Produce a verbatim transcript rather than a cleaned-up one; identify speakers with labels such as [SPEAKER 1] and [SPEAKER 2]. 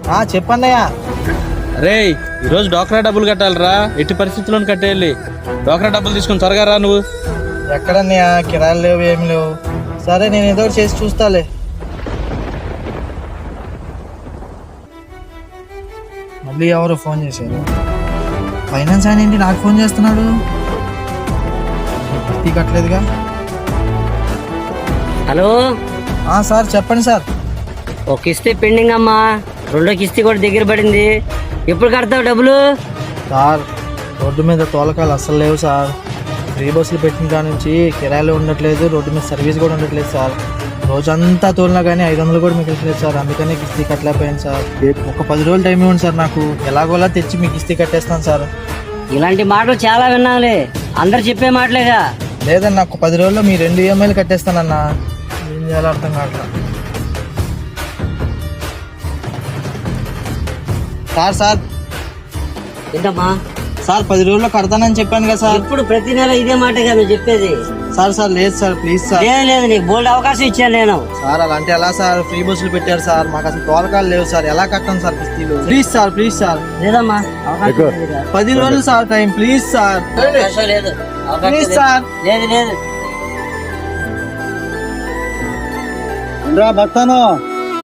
[SPEAKER 1] ఆ చెప్పన్నయ్యా.
[SPEAKER 2] రే ఈరోజు డోక్రా డబ్బులు కట్టాలిరా, ఎట్టి పరిస్థితుల్లో కట్టేయాలి. డోక్రా డబ్బులు తీసుకుని త్వరగా రా నువ్వు.
[SPEAKER 1] ఎక్కడన్నయ్యా, కిరాయిలు లేవు ఏమి లేవు. సరే నేను ఏదో ఒకటి చేసి చూస్తాలే. మళ్ళీ ఎవరు ఫోన్ చేశారు? ఫైనాన్స్ ఆయన ఏంటి నాకు ఫోన్ చేస్తున్నాడు? కిస్తీ కట్టలేదుగా.
[SPEAKER 3] హలో
[SPEAKER 1] ఆ సార్ చెప్పండి సార్.
[SPEAKER 3] ఒక కిస్తీ పెండింగ్ అమ్మా, రెండో కిస్తీ కూడా దగ్గర పడింది. ఎప్పుడు కడతావు డబ్బులు?
[SPEAKER 1] సార్ రోడ్డు మీద తోలకాలు అస్సలు లేవు సార్. ఫ్రీ బస్సులు పెట్టిన కాడ నుంచి కిరాయిలు ఉండట్లేదు, రోడ్డు మీద సర్వీస్ కూడా ఉండట్లేదు సార్. రోజంతా తోలినా కానీ ఐదు వందలు కూడా మీకు ఇస్తలేదు సార్. అందుకనే కిస్తీ కట్టలేకపోయాను సార్. ఒక పది రోజులు టైం ఇవ్వండి సార్, నాకు ఎలాగోలా తెచ్చి మీకు కిస్తీ కట్టేస్తాను సార్.
[SPEAKER 3] ఇలాంటి మాటలు చాలా విన్నాంలే, అందరు చెప్పే మాటలేగా.
[SPEAKER 1] లేదన్నా, ఒక పది రోజుల్లో మీ రెండు ఈఎంఐలు కట్టేస్తానన్నా. ఏం చేయాలో అర్థం కావట్లేదు సార్. సార్
[SPEAKER 3] ఏంటమ్మా?
[SPEAKER 1] సార్ పది రోజుల్లో కడతానని చెప్పాను కదా సార్.
[SPEAKER 3] ఇప్పుడు ప్రతి నెల ఇదే మాటగా నువ్వు చెప్పేది.
[SPEAKER 1] సార్ సార్ లేదు సార్, ప్లీజ్ సార్.
[SPEAKER 3] లేదు లేదు, నీకు బోల్డ్ అవకాశం ఇచ్చాను నేను.
[SPEAKER 1] సార్ అలాంటి ఎలా సార్? ఫ్రీ బస్సులు పెట్టారు సార్, మాకు అసలు తోలకాలు లేవు సార్. ఎలా కట్టాను సార్ కిస్తీలు? Please sir, please sir.
[SPEAKER 3] లేదమ్మా, అవకాశం లేదుగా.
[SPEAKER 1] పది రోజులు సార్ టైం, ప్లీజ్ సార్.
[SPEAKER 3] అవకాశం లేదు, అవకాశం
[SPEAKER 1] ప్లీజ్
[SPEAKER 3] లేదు.
[SPEAKER 1] సార్.
[SPEAKER 3] లేదు లేదు.
[SPEAKER 1] భక్తాను